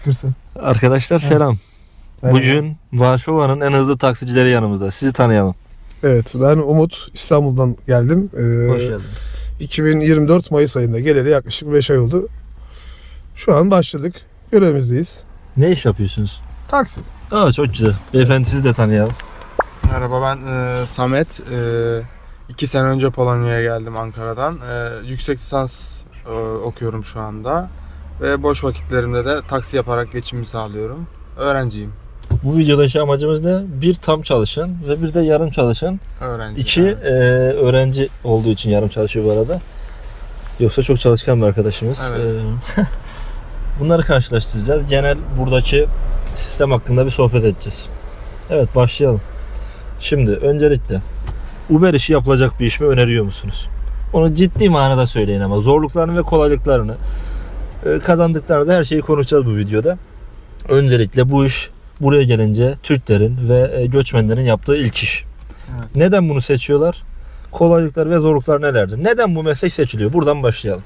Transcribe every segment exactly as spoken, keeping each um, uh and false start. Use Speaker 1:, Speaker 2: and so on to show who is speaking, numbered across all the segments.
Speaker 1: Kırsın.
Speaker 2: Arkadaşlar selam.
Speaker 1: Merhaba.
Speaker 2: Bugün Varşova'nın en hızlı taksicileri yanımızda. Sizi tanıyalım.
Speaker 1: Evet, ben Umut, İstanbul'dan geldim. Ee,
Speaker 2: Hoş geldiniz.
Speaker 1: iki bin yirmi dört Mayıs ayında geleli yaklaşık beş ay oldu. Şu an başladık. Görevimizdeyiz.
Speaker 2: Ne iş yapıyorsunuz?
Speaker 1: Taksi.
Speaker 2: Aa, çok güzel. Beyefendi sizi de tanıyalım.
Speaker 3: Merhaba, ben e, Samet. E, iki sene önce Polonya'ya geldim Ankara'dan. E, yüksek lisans e, okuyorum şu anda. Ve boş vakitlerimde de taksi yaparak geçimimi sağlıyorum. Öğrenciyim.
Speaker 2: Bu videodaki amacımız ne? Bir tam çalışan ve bir de yarım çalışan.
Speaker 3: Öğrenci.
Speaker 2: İki
Speaker 3: yani.
Speaker 2: e, öğrenci olduğu için yarım çalışıyor bu arada. Yoksa çok çalışkan bir arkadaşımız.
Speaker 3: Evet.
Speaker 2: E, bunları karşılaştıracağız. Genel buradaki sistem hakkında bir sohbet edeceğiz. Evet, başlayalım. Şimdi öncelikle Uber işi yapılacak bir iş mi öneriyor musunuz? Onu ciddi manada söyleyin ama zorluklarını ve kolaylıklarını, e, kazandıklarını da her şeyi konuşacağız bu videoda. Öncelikle bu iş buraya gelince Türklerin ve e, göçmenlerin yaptığı ilk iş.
Speaker 3: Evet.
Speaker 2: Neden bunu seçiyorlar? Kolaylıklar ve zorluklar nelerdir? Neden bu meslek seçiliyor? Buradan başlayalım.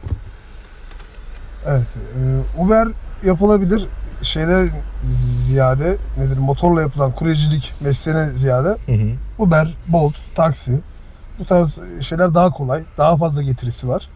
Speaker 1: Evet, e, Uber yapılabilir. Şeyde ziyade nedir? Motorla yapılan kuryecilik mesleğine ziyade
Speaker 2: Hı hı.
Speaker 1: Uber, Bolt, taksi bu tarz şeyler daha kolay, daha fazla getirisi var.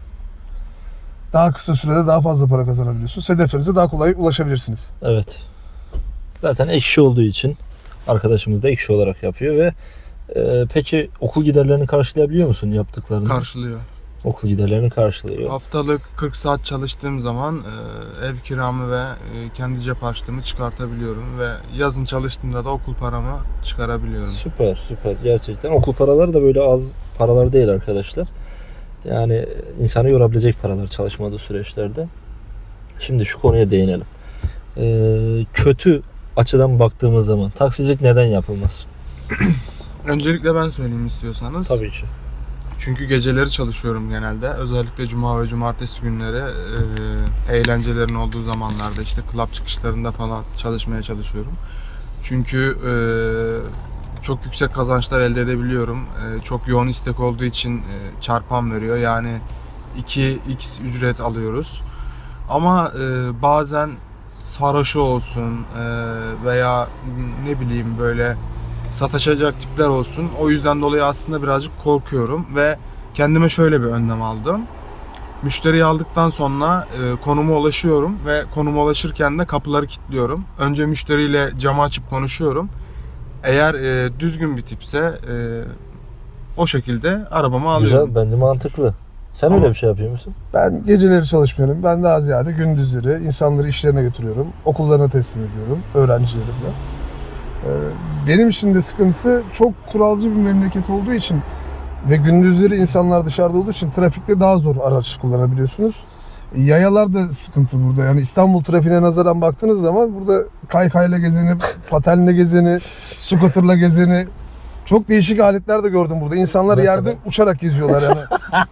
Speaker 1: Daha kısa sürede daha fazla para kazanabiliyorsunuz. Hedeflerinize daha kolay ulaşabilirsiniz.
Speaker 2: Evet. Zaten ek iş olduğu için arkadaşımız da ek iş olarak yapıyor ve e, peki okul giderlerini karşılayabiliyor musun yaptıklarını?
Speaker 3: Karşılıyor.
Speaker 2: Okul giderlerini karşılıyor.
Speaker 3: Haftalık kırk saat çalıştığım zaman e, ev kiramı ve e, kendi cep harçlığımı çıkartabiliyorum. Ve yazın çalıştığımda da okul paramı çıkarabiliyorum.
Speaker 2: Süper süper gerçekten. Okul paraları da böyle az paralar değil arkadaşlar. Yani insanı yorabilecek paralar çalışmadığı süreçlerde. Şimdi şu konuya değinelim. Ee, kötü açıdan baktığımız zaman taksicilik neden yapılmaz?
Speaker 3: Öncelikle ben söyleyeyim istiyorsanız.
Speaker 2: Tabii ki.
Speaker 3: Çünkü geceleri çalışıyorum genelde. Özellikle cuma ve cumartesi günleri e, eğlencelerin olduğu zamanlarda işte club çıkışlarında falan çalışmaya çalışıyorum. Çünkü e, çok yüksek kazançlar elde edebiliyorum. E, çok yoğun istek olduğu için e, çarpan veriyor. Yani iki x ücret alıyoruz. Ama e, bazen sarhoşu olsun e, veya ne bileyim böyle sataşacak tipler olsun. O yüzden dolayı aslında birazcık korkuyorum ve kendime şöyle bir önlem aldım. Müşteriyi aldıktan sonra e, konuma ulaşıyorum ve konuma ulaşırken de kapıları kilitliyorum. Önce müşteriyle camı açıp konuşuyorum. Eğer e, düzgün bir tipse e, o şekilde arabamı alıyorum.
Speaker 2: Güzel, bence mantıklı. Sen
Speaker 3: Ama-
Speaker 2: öyle bir şey yapıyor musun?
Speaker 1: Ben geceleri çalışmıyorum. Ben daha ziyade gündüzleri insanları işlerine götürüyorum. Okullarına teslim ediyorum. Öğrencilerimle. Ee, Benim için de sıkıntısı çok kuralcı bir memleket olduğu için ve gündüzleri insanlar dışarıda olduğu için trafikte daha zor araç kullanabiliyorsunuz. Yayalar da sıkıntı burada. Yani İstanbul trafiğine nazaran baktığınız zaman burada kaykayla gezeni, patenle gezeni, scooterla gezeni çok değişik aletler de gördüm burada. İnsanlar
Speaker 2: Mesela?
Speaker 1: yerde uçarak geziyorlar yani.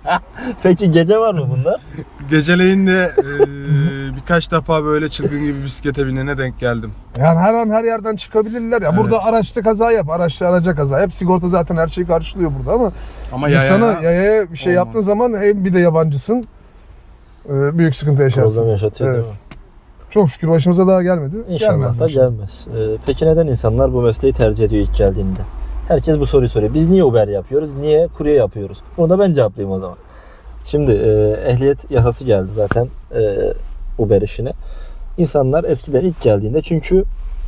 Speaker 2: Peki gece var mı bunlar?
Speaker 3: Geceleyin de e, birkaç defa böyle çılgın gibi bisiklete binene denk geldim.
Speaker 1: Yani her an her yerden çıkabilirler ya. Burada
Speaker 3: Evet.
Speaker 1: araçta kaza yap, araçta araca kaza yap. Sigorta zaten her şeyi karşılıyor burada ama
Speaker 3: Ama
Speaker 1: insana
Speaker 3: yaya
Speaker 1: yayaya bir şey
Speaker 3: olmaz.
Speaker 1: yaptığın zaman hem bir de yabancısın. e, Büyük sıkıntı yaşarsın.
Speaker 2: Problem yaşatıyor
Speaker 1: Evet.
Speaker 2: değil mi?
Speaker 1: Çok şükür başımıza daha gelmedi.
Speaker 2: İnşallah
Speaker 1: Gelmez
Speaker 2: da
Speaker 1: de inşallah.
Speaker 2: gelmez. Ee, peki neden insanlar bu mesleği tercih ediyor ilk geldiğinde? Herkes bu soruyu soruyor. Biz niye Uber yapıyoruz? Niye kurye yapıyoruz? Bunu da ben cevaplayayım o zaman. Şimdi e, ehliyet yasası geldi zaten e, Uber işine. İnsanlar eskiden ilk geldiğinde çünkü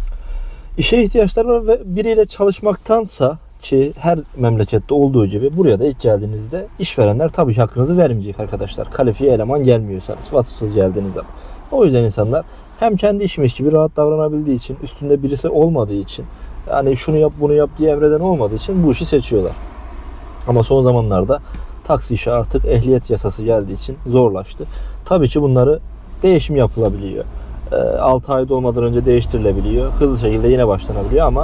Speaker 2: işe ihtiyaçları var ve biriyle çalışmaktansa ki her memlekette olduğu gibi buraya da ilk geldiğinizde işverenler tabii ki hakkınızı vermeyecek arkadaşlar. Kalifiye eleman gelmiyorsanız, vasıfsız geldiğiniz zaman. O yüzden insanlar hem kendi işmiş gibi rahat davranabildiği için, üstünde birisi olmadığı için, yani şunu yap bunu yap diye emreden olmadığı için bu işi seçiyorlar. Ama son zamanlarda taksi işi artık ehliyet yasası geldiği için zorlaştı. Tabii ki bunları değişim yapılabiliyor. altı ay dolmadan önce değiştirilebiliyor. Hızlı şekilde yine başlanabiliyor ama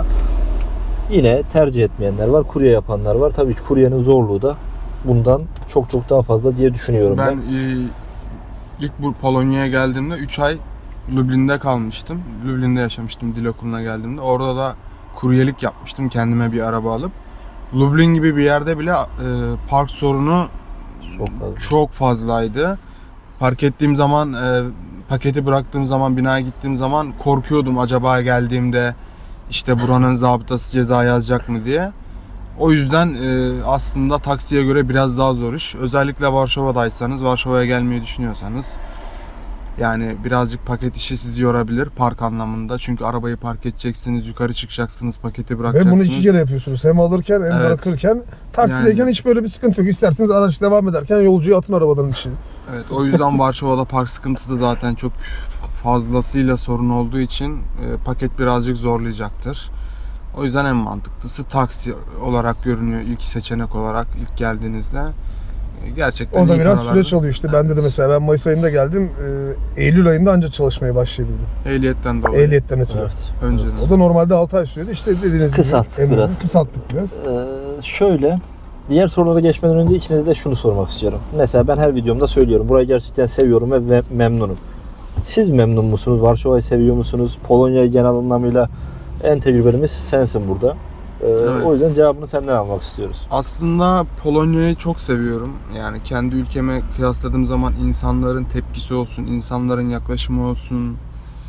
Speaker 2: yine tercih etmeyenler var. Kurye yapanlar var. Tabii ki kuryenin zorluğu da bundan çok çok daha fazla diye düşünüyorum ben.
Speaker 3: Ben e, ilk bu Polonya'ya geldiğimde üç ay Lublin'de kalmıştım. Lublin'de yaşamıştım dil okuluna geldiğimde. Orada da kuryelik yapmıştım kendime bir araba alıp. Lublin gibi bir yerde bile e, park sorunu
Speaker 2: Çok fazla.
Speaker 3: çok fazlaydı. Park ettiğim zaman e, paketi bıraktığım zaman, binaya gittiğim zaman korkuyordum acaba geldiğimde işte buranın zabıtası ceza yazacak mı diye. O yüzden e, aslında taksiye göre biraz daha zor iş. Özellikle Varşova'daysanız, Varşova'ya gelmeyi düşünüyorsanız yani birazcık paket işi sizi yorabilir park anlamında. Çünkü arabayı park edeceksiniz, yukarı çıkacaksınız, paketi
Speaker 1: Ve
Speaker 3: bırakacaksınız.
Speaker 1: bunu iki kere yapıyorsunuz. Hem alırken hem
Speaker 3: Evet.
Speaker 1: bırakırken. Taksideyken
Speaker 3: Yani-
Speaker 1: hiç böyle bir sıkıntı yok. İsterseniz araç devam ederken yolcuyu atın arabadan içine.
Speaker 3: Evet, o yüzden Varşova'da park sıkıntısı da zaten çok fazlasıyla sorun olduğu için e, paket birazcık zorlayacaktır. O yüzden en mantıklısı taksi olarak görünüyor ilk seçenek olarak ilk geldiğinizde. E, Gerçekten
Speaker 1: O da
Speaker 3: iyi
Speaker 1: biraz
Speaker 3: paralar.
Speaker 1: süreç alıyor işte. Bende de mesela ben Mayıs ayında geldim. Ee, Eylül ayında ancak çalışmaya başlayabildim.
Speaker 3: Ehliyetten dolayı.
Speaker 1: Ehliyetten ötürü.
Speaker 2: Evet.
Speaker 3: Önceden.
Speaker 1: O da normalde altı ay sürüyordu. İşte dediğiniz gibi.
Speaker 2: Kısalttık
Speaker 1: en-
Speaker 2: biraz.
Speaker 1: Kısalttık biraz.
Speaker 2: Ee, şöyle, diğer sorulara geçmeden önce ikinize de şunu sormak istiyorum. Mesela ben her videomda söylüyorum. Burayı gerçekten seviyorum ve ve memnunum. Siz memnun musunuz? Varşova'yı seviyor musunuz? Polonya'yı genel anlamıyla en tecrübelimiz sensin burada. Ee,
Speaker 3: Evet.
Speaker 2: O yüzden cevabını senden almak istiyoruz.
Speaker 3: Aslında Polonya'yı çok seviyorum. Yani kendi ülkeme kıyasladığım zaman insanların tepkisi olsun, insanların yaklaşımı olsun.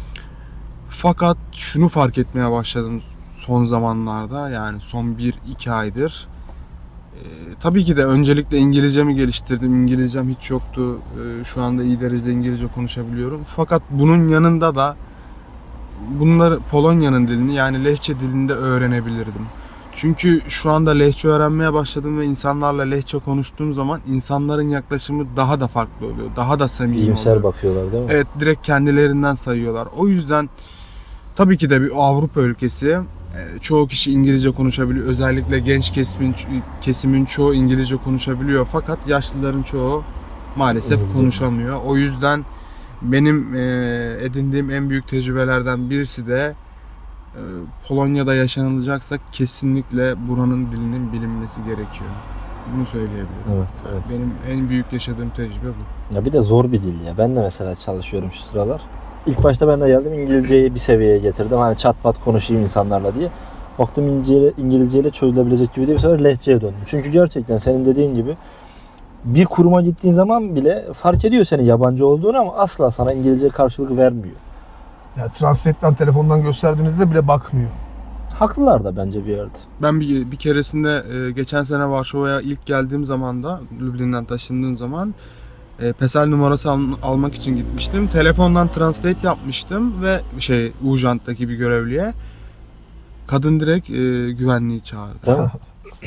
Speaker 3: Fakat şunu fark etmeye başladım son zamanlarda, yani son bir iki aydır. Ee, tabii ki de öncelikle İngilizcemi geliştirdim. İngilizcem hiç yoktu. Ee, şu anda iyi derecede İngilizce konuşabiliyorum. Fakat bunun yanında da bunları Polonya'nın dilini, yani Lehçe dilinde öğrenebilirdim. Çünkü şu anda Lehçe öğrenmeye başladım ve insanlarla Lehçe konuştuğum zaman insanların yaklaşımı daha da farklı oluyor. Daha da samimi
Speaker 2: İyimser
Speaker 3: oluyor.
Speaker 2: bakıyorlar değil mi?
Speaker 3: Evet, direkt kendilerinden sayıyorlar. O yüzden tabii ki de bir Avrupa ülkesi. E, Çoğu kişi İngilizce konuşabiliyor. Özellikle genç kesimin, kesimin çoğu İngilizce konuşabiliyor. Fakat yaşlıların çoğu maalesef
Speaker 2: İngilizce.
Speaker 3: konuşamıyor. O yüzden benim e, edindiğim en büyük tecrübelerden birisi de e, Polonya'da yaşanılacaksa kesinlikle buranın dilinin bilinmesi gerekiyor. Bunu söyleyebilirim.
Speaker 2: Evet, evet.
Speaker 3: Benim en büyük yaşadığım tecrübe bu.
Speaker 2: Ya bir de zor bir dil ya. Ben de mesela çalışıyorum şu sıralar. İlk başta ben de geldim, İngilizceyi bir seviyeye getirdim. Hani çat pat konuşayım insanlarla diye. Baktım İngilizceyle, İngilizceyle çözülebilecek gibi değil. Bir sefer Lehçe'ye döndüm. Çünkü gerçekten senin dediğin gibi bir kuruma gittiğin zaman bile fark ediyor senin yabancı olduğunu ama asla sana İngilizce karşılık vermiyor.
Speaker 1: Ya Translate'den telefondan gösterdiğinizde bile bakmıyor.
Speaker 2: Haklılar da bence bir yerde.
Speaker 3: Ben bir, bir keresinde e, geçen sene Varşova'ya ilk geldiğim zaman da Lüblin'den taşındığım zaman e, PESEL numarası al- almak için gitmiştim. Telefondan translate yapmıştım ve şey Ujant'taki bir görevliye kadın direkt e, güvenliği çağırdı.
Speaker 2: Değil mi?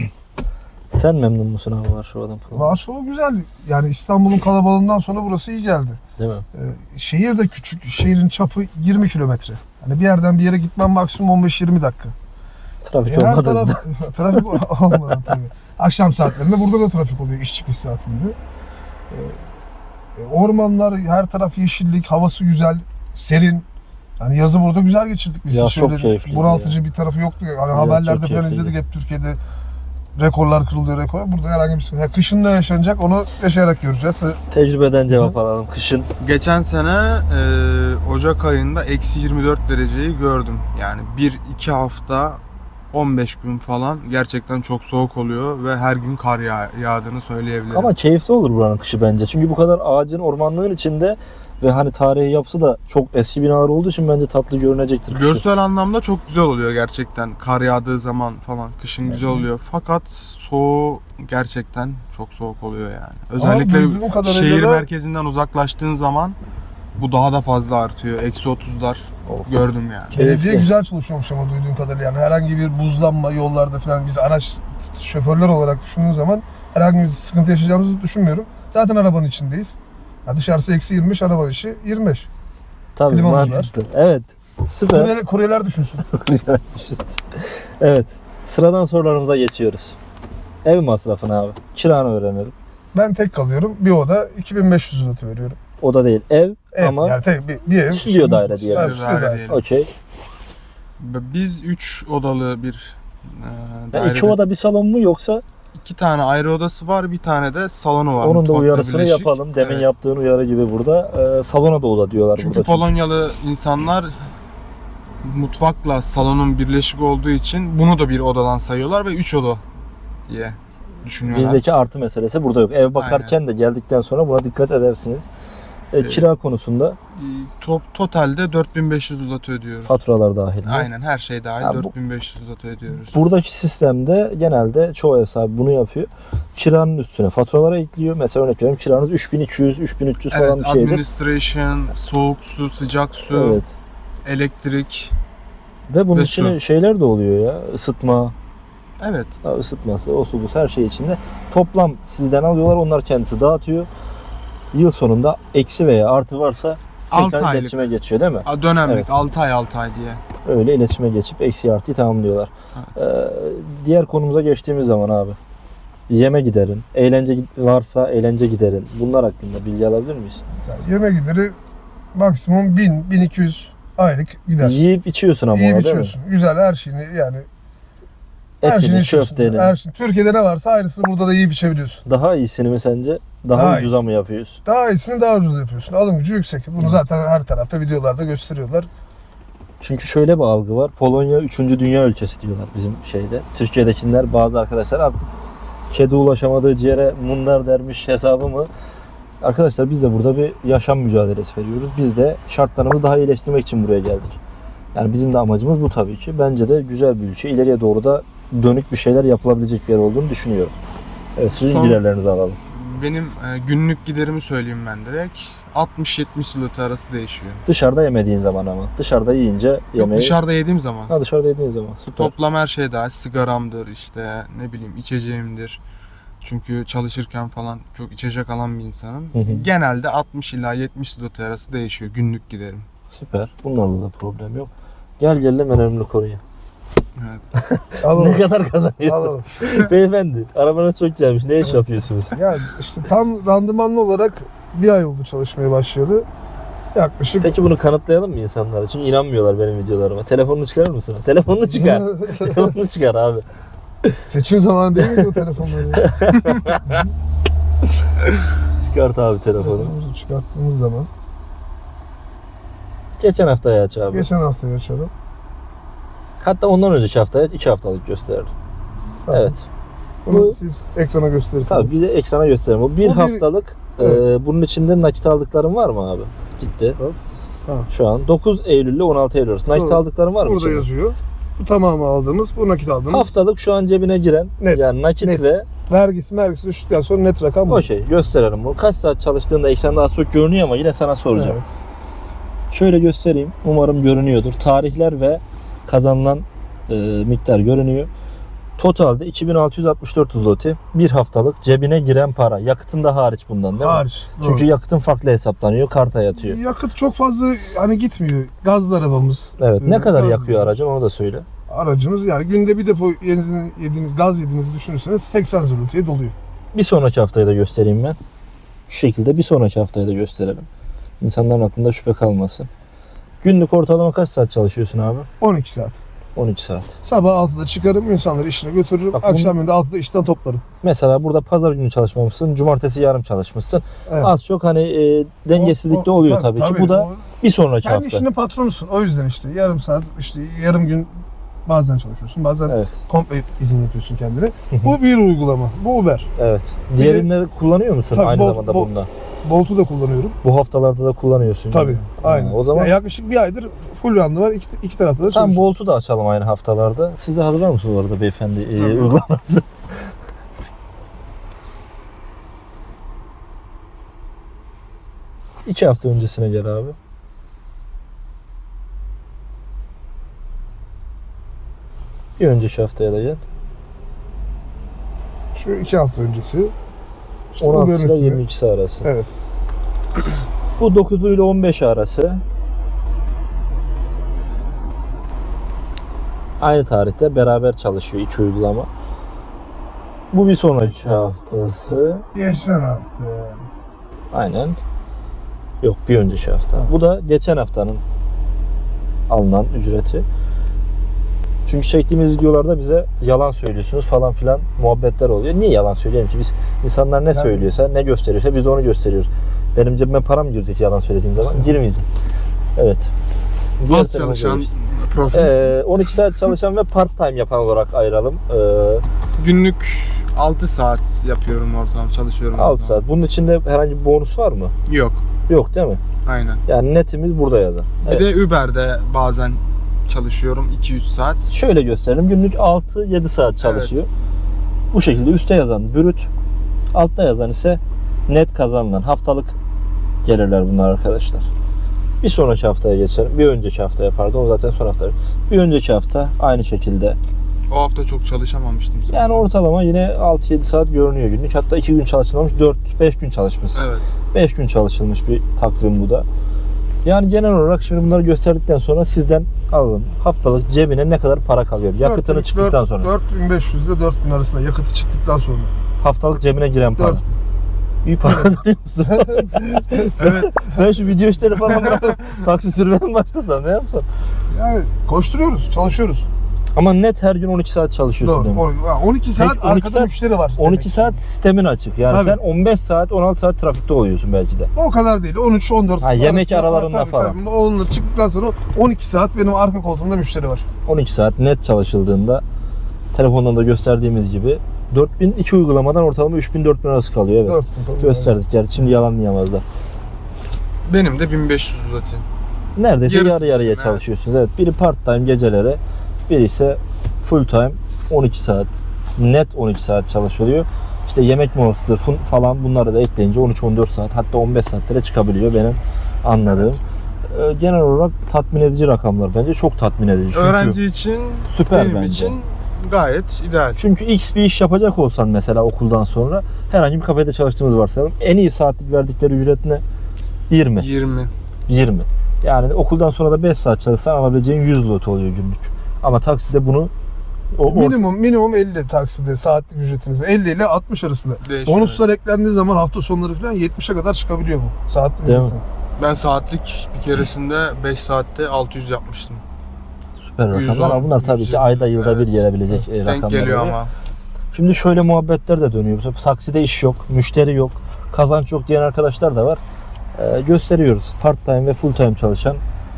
Speaker 2: Sen memnun musun abi Varşova'dan falan?
Speaker 1: Varşova güzel. Yani İstanbul'un kalabalığından sonra burası iyi geldi.
Speaker 2: Değil mi?
Speaker 1: Ee, şehir de küçük. Şehrin çapı yirmi kilometre. Hani bir yerden bir yere gitmem maksimum on beş yirmi dakika.
Speaker 2: Trafik
Speaker 1: E, her
Speaker 2: olmadı
Speaker 1: taraf
Speaker 2: mı?
Speaker 1: trafik olmadan tabii. Akşam saatlerinde burada da trafik oluyor iş çıkış saatinde. Ee, ormanlar, her taraf yeşillik, havası güzel, serin. Yani yazı burada güzel geçirdik biz.
Speaker 2: Ya
Speaker 1: Hiç
Speaker 2: çok
Speaker 1: öyle
Speaker 2: keyifliydi
Speaker 1: bunaltıcı bir tarafı yoktu. Hani
Speaker 2: Ya
Speaker 1: haberlerde
Speaker 2: çok
Speaker 1: falan
Speaker 2: keyifliydi.
Speaker 1: izledik hep Türkiye'de rekorlar kırılıyor rekor. Burada herhangi bir sıkıntı. Yani kışın ne yaşanacak onu yaşayarak göreceğiz.
Speaker 2: Tecrübeden cevap alalım. Kışın
Speaker 3: Geçen sene e, Ocak ayında eksi yirmi dört dereceyi gördüm. Yani bir iki hafta on beş gün falan gerçekten çok soğuk oluyor ve her gün kar yağ- yağdığını söyleyebilirim.
Speaker 2: ama keyifli olur buranın kışı bence. Çünkü bu kadar ağacın, ormanlığın içinde ve hani tarihi yapısı da çok eski binalar olduğu için bence tatlı görünecektir kışı.
Speaker 3: Görsel anlamda çok güzel oluyor gerçekten. Kar yağdığı zaman falan kışın güzel oluyor. Fakat soğuğu gerçekten çok soğuk oluyor yani. Özellikle
Speaker 1: duyduğum kadarıyla
Speaker 3: şehir
Speaker 1: da-
Speaker 3: merkezinden uzaklaştığın zaman bu daha da fazla artıyor. Eksi otuzlar
Speaker 2: Of.
Speaker 3: gördüm yani.
Speaker 1: Belediye
Speaker 2: Keyifli.
Speaker 1: güzel çalışıyormuş ama duyduğum kadarıyla. Yani herhangi bir buzlanma yollarda falan biz araç şoförler olarak düşündüğüm zaman herhangi bir sıkıntı yaşayacağımızı düşünmüyorum. Zaten arabanın içindeyiz. Ya dışarısı eksi yirmi beş, araba içi yirmi beş.
Speaker 2: Tabii
Speaker 1: Klimalar.
Speaker 2: mantıklı. Evet. Süper.
Speaker 1: Kuryeler, kuryeler düşünsün.
Speaker 2: Evet. Sıradan sorularımıza geçiyoruz. Ev masrafını abi. Kiranı öğrenelim.
Speaker 1: Ben tek kalıyorum. Bir oda iki bin beş yüz zloty veriyorum.
Speaker 2: Oda değil ev,
Speaker 1: Ev,
Speaker 2: ama
Speaker 1: yani tek bir, bir ev.
Speaker 2: stüdyo daire diyelim.
Speaker 1: Evet,
Speaker 3: Stüdyo
Speaker 1: stüdyo
Speaker 3: daire
Speaker 1: daire.
Speaker 3: diyelim.
Speaker 2: okey.
Speaker 3: Biz üç odalı bir e,
Speaker 2: Ya
Speaker 3: dairede.
Speaker 2: iki oda bir salon mu yoksa
Speaker 3: İki tane ayrı odası var, bir tane de salonu var.
Speaker 2: onun da
Speaker 3: mutfakla
Speaker 2: uyarısını
Speaker 3: birleşik.
Speaker 2: yapalım. Demin
Speaker 3: Evet.
Speaker 2: yaptığın uyarı gibi burada. E, salona da oda diyorlar
Speaker 3: Çünkü
Speaker 2: burada.
Speaker 3: Polonyalı insanlar mutfakla salonun birleşik olduğu için bunu da bir odadan sayıyorlar ve üç oda diye düşünüyorlar.
Speaker 2: Bizdeki artı meselesi burada yok. Ev bakarken de geldikten sonra buna dikkat edersiniz. E, kira konusunda
Speaker 3: E, top, totalde dört bin beş yüz zloty ödüyoruz.
Speaker 2: faturalar dahil. mi?
Speaker 3: Aynen, her şey dahil
Speaker 2: Ha, bu-
Speaker 3: dört bin beş yüz zloty ödüyoruz.
Speaker 2: Buradaki sistemde genelde çoğu ev sahibi bunu yapıyor. Kiranın üstüne faturalara ekliyor. Mesela örnek veriyorum, kiranız üç bin iki yüz üç bin üç yüz falan
Speaker 3: Evet,
Speaker 2: bir şeydir.
Speaker 3: administration, soğuk su, sıcak su,
Speaker 2: Evet.
Speaker 3: elektrik.
Speaker 2: Ve bunun
Speaker 3: Ve
Speaker 2: içine
Speaker 3: su.
Speaker 2: şeyler de oluyor ya. Isıtma,
Speaker 3: Evet.
Speaker 2: ha, ısıtması, o su bu her şey içinde. Toplam sizden alıyorlar, onlar kendisi dağıtıyor. Yıl sonunda eksi veya artı varsa
Speaker 3: altı
Speaker 2: tekrar
Speaker 3: aylık.
Speaker 2: iletişime geçiyor değil mi?
Speaker 3: A, Dönemlik
Speaker 2: Evet.
Speaker 3: altı ay altı ay diye.
Speaker 2: Öyle iletişime geçip eksi artıyı tamamlıyorlar. Ee, diğer konumuza geçtiğimiz zaman abi. Yeme giderin, eğlence gid- varsa eğlence giderin. Bunlar hakkında bilgi alabilir miyiz?
Speaker 1: Yani yeme gideri maksimum bin bin iki yüz aylık gider.
Speaker 2: Yiyip içiyorsun ama
Speaker 1: Yiyip
Speaker 2: ona değil mi?
Speaker 1: içiyorsun. Güzel her şeyini yani her şeyini
Speaker 2: Etini,
Speaker 1: içiyorsun.
Speaker 2: köfteni.
Speaker 1: Her şey. Türkiye'de ne varsa aynısını burada da yiyip içebiliyorsun.
Speaker 2: Daha iyisini mi sence? Daha,
Speaker 1: Daha
Speaker 2: ucuza
Speaker 1: iyisi.
Speaker 2: mı yapıyorsun?
Speaker 1: Daha iyisini daha ucuz yapıyorsun. Alım gücü yüksek. Bunu zaten her tarafta videolarda gösteriyorlar.
Speaker 2: Çünkü şöyle bir algı var. Polonya üçüncü dünya ülkesi diyorlar bizim şeyde. Türkiye'dekiler, bazı arkadaşlar artık kedi ulaşamadığı ciğere mundar dermiş hesabı mı? Arkadaşlar biz de burada bir yaşam mücadelesi veriyoruz. Biz de şartlarımızı daha iyileştirmek için buraya geldik. Yani bizim de amacımız bu tabii ki. Bence de güzel bir ülke. İleriye doğru da dönük bir şeyler yapılabilecek bir yer olduğunu düşünüyorum. Evet, sizin
Speaker 3: Son-
Speaker 2: giderlerinizi alalım.
Speaker 3: Benim e, günlük giderimi söyleyeyim ben direkt. altmış yetmiş zloty arası değişiyor.
Speaker 2: Dışarıda yemediğin zaman ama. Dışarıda yiyince
Speaker 3: Yok,
Speaker 2: yemeği...
Speaker 3: dışarıda yediğim zaman.
Speaker 2: Ha, dışarıda yediğin zaman. Süper.
Speaker 3: Toplam her şey dahil. Sigaramdır işte, ne bileyim içeceğimdir. Çünkü çalışırken falan çok içecek alan bir insanım.
Speaker 2: Hı hı.
Speaker 3: Genelde altmış ila yetmiş zloty arası değişiyor günlük giderim.
Speaker 2: Süper. Bunlarla da problem yok. Gel gelelim önemli konuya.
Speaker 3: Evet.
Speaker 1: Alalım.
Speaker 2: Ne kadar kazanıyorsun?
Speaker 1: Alalım.
Speaker 2: Beyefendi, arabanız çok güzelmiş. Ne iş yapıyorsunuz?
Speaker 1: Yani işte tam randımanlı olarak bir ay oldu çalışmaya başlayalı. Yaklaşık
Speaker 2: Peki bunu kanıtlayalım mı insanlara? Çünkü inanmıyorlar benim videolarıma. Telefonunu çıkarır mısın? Telefonunu çıkar. Telefonunu çıkar abi.
Speaker 1: seçim zamanı değil mi bu telefonları?
Speaker 2: Çıkart abi telefonu.
Speaker 1: Telefonumuzu çıkarttığımız zaman.
Speaker 2: Geçen haftaya aç abi.
Speaker 1: Geçen hafta yaşadım.
Speaker 2: Hatta ondan önceki haftaya aç. iki haftalık gösterir.
Speaker 1: Tamam.
Speaker 2: Evet.
Speaker 1: Bunu
Speaker 2: Bu-
Speaker 1: siz ekrana gösterirsiniz.
Speaker 2: Tabii bize ekrana gösterelim. O bir,
Speaker 1: O bir-
Speaker 2: haftalık.
Speaker 1: Evet.
Speaker 2: e, bunun içinde nakit aldıkların var mı abi? Gitti.
Speaker 1: Hop. Tamam.
Speaker 2: Şu an dokuz Eylül ile on altı Eylül arası. Nakit
Speaker 1: Doğru.
Speaker 2: aldıkların var mı?
Speaker 1: Burada
Speaker 2: içinde?
Speaker 1: yazıyor. Bu tamamı aldığımız, bu nakit aldığımız.
Speaker 2: Haftalık şu an cebine giren
Speaker 1: Net.
Speaker 2: yani nakit
Speaker 1: Net.
Speaker 2: ve
Speaker 1: Vergisi mergisi düştükten sonra net rakam bu.
Speaker 2: o şey gösterelim bunu. Kaç saat çalıştığında ekranda az çok görünüyor ama yine sana soracağım.
Speaker 1: Evet.
Speaker 2: Şöyle göstereyim. Umarım görünüyordur. Tarihler ve kazanılan e, miktar görünüyor. Totalde iki bin altı yüz altmış dört zloty bir haftalık cebine giren para. Yakıtın da hariç bundan değil mi?
Speaker 1: Hariç.
Speaker 2: Çünkü
Speaker 1: doğru.
Speaker 2: yakıtın farklı hesaplanıyor. Karta yatıyor.
Speaker 1: Yakıt çok fazla hani gitmiyor. Gazlı arabamız.
Speaker 2: Evet. Ne
Speaker 1: Ee,
Speaker 2: kadar
Speaker 1: gazlı
Speaker 2: yakıyor aracın onu da söyle.
Speaker 1: Aracımız yani günde bir depo yediğiniz, yediğiniz gaz yediğinizi düşünürseniz seksen zloty'ye doluyor.
Speaker 2: Bir sonraki haftayı da göstereyim ben. Şu şekilde bir sonraki haftayı da gösterelim. İnsanların aklında şüphe kalmasın. Günlük ortalama kaç saat çalışıyorsun abi?
Speaker 1: on iki saat.
Speaker 2: on iki saat.
Speaker 1: Sabah altıda çıkarım, insanları işine götürürüm.
Speaker 2: Bak
Speaker 1: Akşam yönde altıda işten toplarım.
Speaker 2: Mesela burada pazar günü çalışmamışsın, cumartesi yarım çalışmışsın.
Speaker 1: Evet.
Speaker 2: Az çok hani e, dengesizlik de
Speaker 1: O- o-
Speaker 2: oluyor tabii, ki. Bu da
Speaker 1: o-
Speaker 2: bir sonraki
Speaker 1: kendi
Speaker 2: hafta.
Speaker 1: işinin patronusun. O yüzden işte yarım saat, işte yarım gün bazen çalışıyorsun, bazen
Speaker 2: Evet.
Speaker 1: komple izin yapıyorsun kendine. Bu bir uygulama. Bu Uber.
Speaker 2: Evet. Diğerini kullanıyor musun
Speaker 1: Tabii,
Speaker 2: aynı
Speaker 1: bol-
Speaker 2: zamanda
Speaker 1: bol-
Speaker 2: bunda?
Speaker 1: Bolt'u da kullanıyorum.
Speaker 2: Bu haftalarda da kullanıyorsun.
Speaker 1: Tabii.
Speaker 2: yani.
Speaker 1: Aynen.
Speaker 2: Ha, o zaman
Speaker 1: Ya yaklaşık bir aydır full randı var. İki, iki tarafta da
Speaker 2: tam
Speaker 1: çalışıyorum.
Speaker 2: Bolt'u da açalım aynı haftalarda. Siz de hazırlar mısınız orada beyefendi e,
Speaker 3: Tabii.
Speaker 2: uygulaması? İki hafta öncesine gel abi. Bir önceki haftaya da gel.
Speaker 1: Şu iki hafta öncesi. İşte
Speaker 2: on altı
Speaker 1: Uber'in
Speaker 2: ile
Speaker 1: üstüne-
Speaker 2: yirmi ikisi arası.
Speaker 1: Evet.
Speaker 2: Bu dokuz ile on beş arası. Aynı tarihte beraber çalışıyor iki uygulama. Bu bir sonraki haftası.
Speaker 1: Geçen hafta.
Speaker 2: Aynen. Yok, bir önceki hafta. Bu da geçen haftanın alınan ücreti. Çünkü çektiğimiz videolarda bize yalan söylüyorsunuz falan filan muhabbetler oluyor. Niye yalan söyleyeyim ki? Biz insanlar ne
Speaker 1: Yani-
Speaker 2: söylüyorsa, ne gösteriyorsa biz de onu gösteriyoruz. Benim cebime para mı girecek yalan söylediğim zaman? Girmeyecek. Evet. Diğer
Speaker 3: Az
Speaker 2: tarafa
Speaker 3: çalışan
Speaker 2: geçtik.
Speaker 3: profil.
Speaker 2: Ee, on iki saat çalışan ve part time yapan olarak ayıralım. Ee,
Speaker 3: Günlük altı saat yapıyorum ortalama, çalışıyorum.
Speaker 2: altı
Speaker 3: ortalama.
Speaker 2: saat. Bunun içinde herhangi bir bonus var mı?
Speaker 3: Yok.
Speaker 2: Yok değil mi?
Speaker 3: Aynen.
Speaker 2: Yani netimiz burada yazan.
Speaker 3: Bir
Speaker 2: Evet.
Speaker 3: de Uber'de bazen çalışıyorum iki üç saat.
Speaker 2: Şöyle gösterelim. Günlük altı yedi saat çalışıyor. Bu şekilde üstte yazan brüt, altta yazan ise net kazanılan haftalık gelirler bunlar arkadaşlar. Bir sonraki haftaya geçelim. Bir önceki haftaya pardon. O zaten son hafta. Bir önceki hafta aynı şekilde.
Speaker 3: O hafta çok çalışamamıştım zaten.
Speaker 2: Yani ortalama yine altı yedi saat görünüyor günlük. Hatta iki gün çalışılmamış, dört beş gün çalışmış.
Speaker 3: Evet.
Speaker 2: beş gün çalışılmış bir takvim bu da. Yani genel olarak şimdi bunları gösterdikten sonra sizden alalım. Haftalık cebine ne kadar para kalıyor? Yakıtını
Speaker 1: dört-
Speaker 2: çıktıktan
Speaker 1: dört-
Speaker 2: sonra.
Speaker 1: dört bin beş yüz ile dört bin arasında yakıtı çıktıktan sonra.
Speaker 2: Haftalık cebine giren para.
Speaker 1: dört
Speaker 2: İyi para kazanıyor musun?
Speaker 3: Evet.
Speaker 2: Ben şu video işleri falan bırakıp taksi sürmeye mi başlasam, ne yapsam?
Speaker 1: Yani koşturuyoruz, çalışıyoruz.
Speaker 2: Ama net her gün on iki saat çalışıyorsun
Speaker 1: Doğru.
Speaker 2: demek.
Speaker 1: on iki saat
Speaker 2: Peki, on iki
Speaker 1: arkada
Speaker 2: saat-
Speaker 1: müşteri var.
Speaker 2: on iki
Speaker 1: demek.
Speaker 2: saat sistemin açık. Yani
Speaker 1: Tabii.
Speaker 2: sen on beş saat, on altı saat trafikte oluyorsun belki de.
Speaker 1: O kadar değil. on üç on dört
Speaker 2: Ha, yemek
Speaker 1: arasında-
Speaker 2: aralarında
Speaker 1: tabii,
Speaker 2: falan.
Speaker 1: Tabii. Onlar çıktıktan sonra on iki saat benim arka koltuğumda müşteri var.
Speaker 2: on iki saat net çalışıldığında telefondan da gösterdiğimiz gibi dört bin iki uygulamadan ortalama üç bin dört bin arası kalıyor. Evet.
Speaker 1: dört bin falan.
Speaker 2: Gösterdik yani şimdi yalanlayamazlar.
Speaker 3: Benim de bin beş yüz zloty.
Speaker 2: Neredeyse
Speaker 3: Yarısı
Speaker 2: yarı yarıya
Speaker 3: evet.
Speaker 2: çalışıyorsunuz. Evet. Biri part time gecelere, biri ise full time on iki saat. Net on iki saat çalışılıyor. İşte yemek molası fun- falan bunları da ekleyince on üç on dört saat hatta on beş saatlere çıkabiliyor benim anladığım. Ee, Genel olarak tatmin edici rakamlar bence çok tatmin edici. Çünkü
Speaker 3: Öğrenci için,
Speaker 2: süper
Speaker 3: benim
Speaker 2: bence.
Speaker 3: için gayet ideal.
Speaker 2: Çünkü X bir iş yapacak olsan mesela okuldan sonra herhangi bir kafede çalıştığımız varsayalım. En iyi saatlik verdikleri ücret ne? yirmi.
Speaker 3: yirmi.
Speaker 2: yirmi. Yani okuldan sonra da beş saat çalışsan alabileceğin yüz lot oluyor günlük. Ama takside bunu o orta-
Speaker 1: Minimum minimum elli takside saatlik ücretiniz. elli ile altmış arasında.
Speaker 3: Değişiyor.
Speaker 1: Bonuslar eklendiği zaman hafta sonları falan yetmişe kadar çıkabiliyor bu saatlik
Speaker 2: Değil mi?
Speaker 1: ücreti.
Speaker 3: Ben saatlik bir keresinde beş saatte altı yüz yapmıştım.
Speaker 2: süper rakamlar.
Speaker 3: yüz on,
Speaker 2: Ama bunlar tabii
Speaker 3: yüz
Speaker 2: ki ayda
Speaker 3: yirmi,
Speaker 2: yılda bir
Speaker 3: evet.
Speaker 2: gelebilecek e, rakamlar.
Speaker 3: Denk geliyor
Speaker 2: oluyor.
Speaker 3: ama.
Speaker 2: Şimdi şöyle muhabbetler de dönüyor. Mesela takside iş yok, müşteri yok, kazanç yok diyen arkadaşlar da var. Ee, gösteriyoruz. Part time ve full time çalışan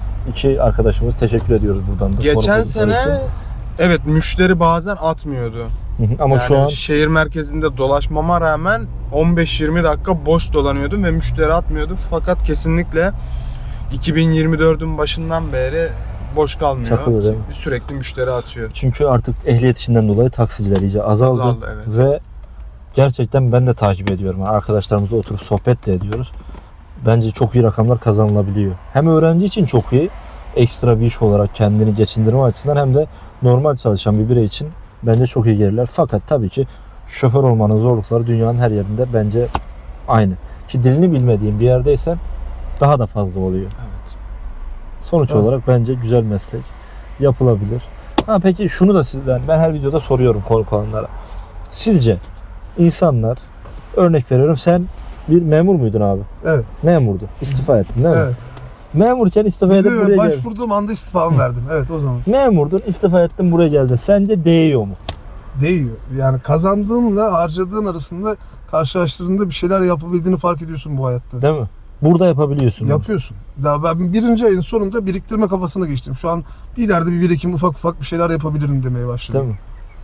Speaker 2: iki arkadaşımız teşekkür ediyoruz buradan da.
Speaker 3: Geçen
Speaker 2: konuklar
Speaker 3: sene
Speaker 2: için.
Speaker 3: evet müşteri bazen atmıyordu.
Speaker 2: Hı hı. Ama
Speaker 3: yani
Speaker 2: şu an
Speaker 3: şehir merkezinde dolaşmama rağmen on beş yirmi dakika boş dolanıyordum ve müşteri atmıyordu. Fakat kesinlikle iki bin yirmi dördün başından beri boş kalmıyor.
Speaker 2: Çakılı değil mi?
Speaker 3: Sürekli müşteri atıyor.
Speaker 2: çünkü artık ehliyet işinden dolayı taksiciler iyice azaldı.
Speaker 3: Azaldı, evet.
Speaker 2: Ve gerçekten ben de takip ediyorum. Yani arkadaşlarımızla oturup sohbet de ediyoruz. Bence çok iyi rakamlar kazanılabiliyor. Hem öğrenci için çok iyi, ekstra bir iş olarak kendini geçindirme açısından hem de normal çalışan bir birey için bence çok iyi gelirler. Fakat tabii ki şoför olmanın zorlukları dünyanın her yerinde bence aynı. Ki dilini bilmediğin bir yerdeysen daha da fazla oluyor.
Speaker 3: Evet.
Speaker 2: Sonuç
Speaker 1: Evet.
Speaker 2: olarak bence güzel meslek. Yapılabilir. Ha peki şunu da sizden ben her videoda soruyorum konuk olanlara. Sizce insanlar, örnek veriyorum, sen bir memur muydun abi?
Speaker 1: Evet.
Speaker 2: Memurdu. İstifa ettin değil mi?
Speaker 1: Evet.
Speaker 2: Memurken istifa edip
Speaker 1: Bizi
Speaker 2: buraya geldin.
Speaker 1: başvurduğum anda istifamı verdim. Evet o zaman.
Speaker 2: Memurdun, istifa ettin, buraya geldin. Sence değiyor mu?
Speaker 1: Değiyor. Yani kazandığınla harcadığın arasında karşılaştırdığında bir şeyler yapabildiğini fark ediyorsun bu hayatta.
Speaker 2: Değil mi? Burada yapabiliyorsun. bunu.
Speaker 1: Yapıyorsun. Daha ben birinci ayın sonunda biriktirme kafasına geçtim. Şu an bir ileride bir birikim ufak ufak bir şeyler yapabilirim demeye başladım.
Speaker 2: Değil mi?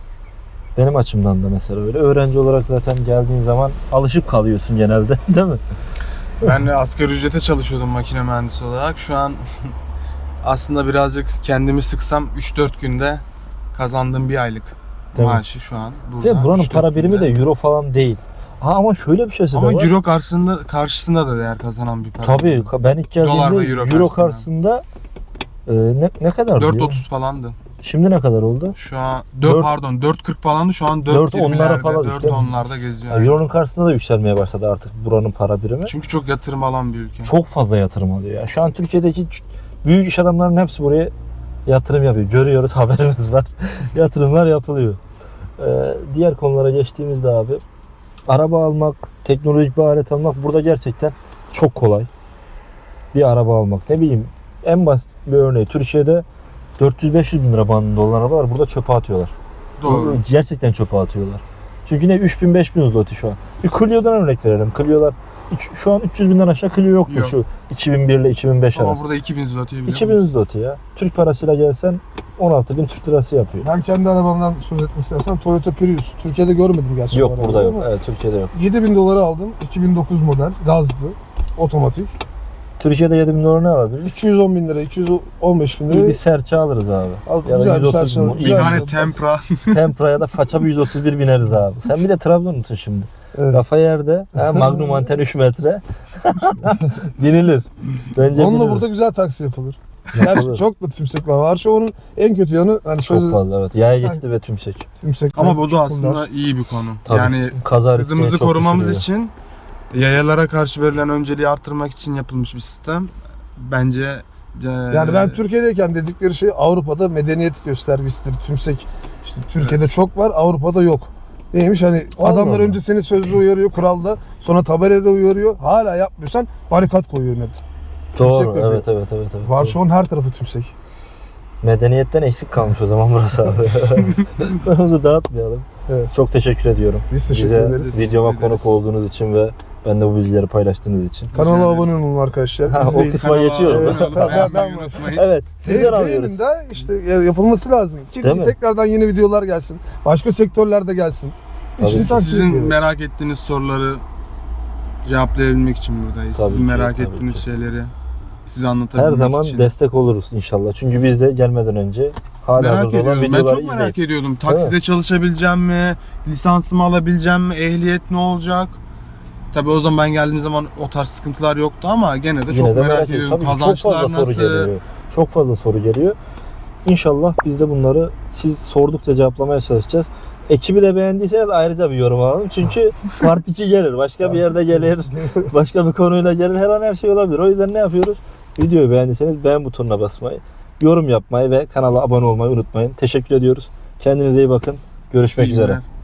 Speaker 2: Benim açımdan da mesela öyle. Öğrenci olarak zaten geldiğin zaman alışıp kalıyorsun genelde. Değil mi?
Speaker 3: Ben de asgari ücrete çalışıyordum makine mühendisi olarak. Şu an aslında birazcık kendimi sıksam üç dört günde kazandığım bir aylık
Speaker 2: Değil mi?
Speaker 3: maaşı şu an. Burada
Speaker 2: Ve buranın
Speaker 3: üç dört
Speaker 2: para birimi de
Speaker 3: günde.
Speaker 2: euro falan değil. Ha ama şöyle bir şeysi de
Speaker 3: Ama
Speaker 2: var.
Speaker 3: euro karşısında karşısında da değer kazanan bir para.
Speaker 2: Tabii ben ilk
Speaker 3: Dolar
Speaker 2: geldiğimde
Speaker 3: ve euro
Speaker 2: euro,
Speaker 3: karşısında.
Speaker 2: karşısında e, ne, ne kadar
Speaker 3: dört otuz falandı.
Speaker 2: Şimdi ne kadar oldu?
Speaker 3: Şu an dört
Speaker 2: Dört-
Speaker 3: pardon dört kırk falandı. Şu an
Speaker 2: Dört
Speaker 3: dört yirmilerde,
Speaker 2: onlara falan
Speaker 3: dört
Speaker 2: düştü, değil mi?
Speaker 3: onlarda geziyor.
Speaker 2: Ya,
Speaker 3: yani.
Speaker 2: Euro'nun karşısında da yükselmeye başladı artık buranın para birimi.
Speaker 3: Çünkü çok yatırım alan bir ülke.
Speaker 2: Çok fazla yatırım alıyor. Yani şu an Türkiye'deki ç- büyük iş adamlarının hepsi buraya yatırım yapıyor. Görüyoruz, haberimiz var. Yatırımlar yapılıyor. Ee, diğer konulara geçtiğimizde abi, araba almak, teknolojik bir alet almak burada gerçekten çok kolay. Bir araba almak, ne bileyim, en basit bir örneği Türkiye'de dört yüz beş yüz bin lira bandında olan arabalar burada çöpe atıyorlar.
Speaker 3: Doğru.
Speaker 2: Gerçekten çöpe atıyorlar. Çünkü ne üç bin beş bin zloty şu an. Bir Clio'dan örnek verelim. Clio'lar üç- şu an üç yüz binden aşağı Clio yoktur
Speaker 3: Yok.
Speaker 2: şu iki bin bir ile iki bin beş
Speaker 3: Ama
Speaker 2: arası.
Speaker 3: burada iki bin zloty'yi biliyor
Speaker 2: iki bin
Speaker 3: musun?
Speaker 2: zloty ya. Türk parasıyla gelsen on altı bin Türk lirası yapıyor.
Speaker 1: Ben kendi arabamdan söz etmek istersen Toyota Prius. Türkiye'de görmedim gerçi. bu
Speaker 2: Yok
Speaker 1: arabayı
Speaker 2: burada yok.
Speaker 1: ama
Speaker 2: Evet Türkiye'de yok.
Speaker 1: yedi bin dolara aldım. iki bin dokuz model. Gazlı. Otomatik.
Speaker 2: Türkiye'de yedi bin dolar ne alabiliriz?
Speaker 1: üç yüz on bin lira, iki yüz on beş bin
Speaker 2: İyi bir
Speaker 1: lira.
Speaker 2: serçe alırız abi.
Speaker 1: Al,
Speaker 2: Ya da
Speaker 1: güzel bir
Speaker 2: yüz otuz
Speaker 1: serçe
Speaker 2: mu?
Speaker 1: alırız.
Speaker 3: Bir
Speaker 2: İyi.
Speaker 1: Güzel
Speaker 3: tane
Speaker 1: bir-
Speaker 3: tempra.
Speaker 2: Tempra'ya da faça bir yüz otuz bir bineriz abi. Sen bir de Trabzonlusun şimdi.
Speaker 1: Evet.
Speaker 2: Kafa yerde. Ha, Magnum anten üç metre. Binilir. Bence
Speaker 1: Onunla
Speaker 2: binilir.
Speaker 1: burada güzel taksi yapılır.
Speaker 2: Yapılır.
Speaker 1: Gerçi çok da tümsek var. Varşova'nın en kötü yanı hani
Speaker 2: Çok
Speaker 1: sözü
Speaker 2: fazla evet. Yaya geçti ve tümsek.
Speaker 1: tümsekler,
Speaker 3: Ama bu da
Speaker 1: çukurlar.
Speaker 3: aslında iyi bir konu.
Speaker 2: Tabii.
Speaker 3: Yani
Speaker 2: Kaza riskini
Speaker 3: hızımızı
Speaker 2: çok
Speaker 3: korumamız
Speaker 2: düşürüyor.
Speaker 3: için yayalara karşı verilen önceliği arttırmak için yapılmış bir sistem. Bence e,
Speaker 1: Yani ben Türkiye'deyken dedikleri şey Avrupa'da medeniyet göstergesidir. Tümsek işte Türkiye'de
Speaker 3: Evet.
Speaker 1: çok var, Avrupa'da yok. Neymiş hani
Speaker 2: Allah
Speaker 1: adamlar
Speaker 2: Allah.
Speaker 1: önce seni sözlü uyarıyor kuralda, sonra tabelayla uyarıyor. Hala yapmıyorsan barikat koyuyor net.
Speaker 2: Doğru.
Speaker 1: Tümsek yapıyor.
Speaker 2: Evet evet evet. evet.
Speaker 1: Varşova'nın her tarafı tümsek.
Speaker 2: Medeniyetten eksik kalmış o zaman burası abi. Konumuzu dağıtmayalım.
Speaker 1: Evet.
Speaker 2: Çok teşekkür ediyorum.
Speaker 1: Biz teşekkür
Speaker 2: Bize
Speaker 1: ederiz.
Speaker 2: videoma
Speaker 3: Teşekkür ederiz.
Speaker 2: konuk olduğunuz için ve ben de bu bilgileri paylaştığınız için.
Speaker 1: Kanala
Speaker 3: Rica
Speaker 1: abone
Speaker 3: ederiz.
Speaker 1: olun arkadaşlar.
Speaker 2: Ha, o
Speaker 1: İzleyin.
Speaker 2: kısma geçiyorum.
Speaker 3: abone olup
Speaker 1: Evet,
Speaker 3: beğenmeyi
Speaker 1: ben- ben-
Speaker 3: unutmayın.
Speaker 2: Evet. Sizden
Speaker 1: Değil-
Speaker 2: alıyoruz.
Speaker 1: değilim de işte ya- yapılması lazım. Ki
Speaker 2: Değil mi?
Speaker 1: tekrardan yeni videolar gelsin. Başka sektörlerde gelsin.
Speaker 2: Tabii.
Speaker 1: İşini takip
Speaker 3: Sizin
Speaker 1: ediyorum.
Speaker 3: merak ettiğiniz soruları cevaplayabilmek için buradayız.
Speaker 2: Tabii
Speaker 3: Sizin
Speaker 2: ki,
Speaker 3: merak
Speaker 2: tabii
Speaker 3: ettiğiniz
Speaker 2: ki.
Speaker 3: şeyleri size
Speaker 2: Her
Speaker 3: anlatabilmek
Speaker 2: zaman
Speaker 3: için.
Speaker 2: destek oluruz inşallah. Çünkü biz de gelmeden önce hala
Speaker 3: Merak
Speaker 2: hazırda olan
Speaker 3: ediyorum. Ben
Speaker 2: videoları
Speaker 3: çok
Speaker 2: izleyip.
Speaker 3: merak ediyordum. Takside çalışabileceğim mi? Lisansımı alabileceğim mi? Ehliyet ne olacak? Tabii o zaman ben geldiğim zaman o tarz sıkıntılar yoktu ama gene de çok
Speaker 2: Yine de
Speaker 3: merak,
Speaker 2: merak
Speaker 3: ediyorum.
Speaker 2: ediyorum. Tabii ki çok
Speaker 3: Kazançlar
Speaker 2: fazla
Speaker 3: nasıl?
Speaker 2: soru geliyor. Çok fazla soru geliyor. İnşallah biz de bunları siz sordukça cevaplamaya çalışacağız. Ekibi de beğendiyseniz ayrıca bir yorum alalım. Çünkü part iki gelir. Başka bir yerde gelir. Başka bir konuyla gelir. Her an her şey olabilir. O yüzden ne yapıyoruz? Videoyu beğendiyseniz beğen butonuna basmayı, yorum yapmayı ve kanala abone olmayı unutmayın. Teşekkür ediyoruz. Kendinize iyi bakın. Görüşmek
Speaker 3: İyi
Speaker 2: üzere.
Speaker 3: günler.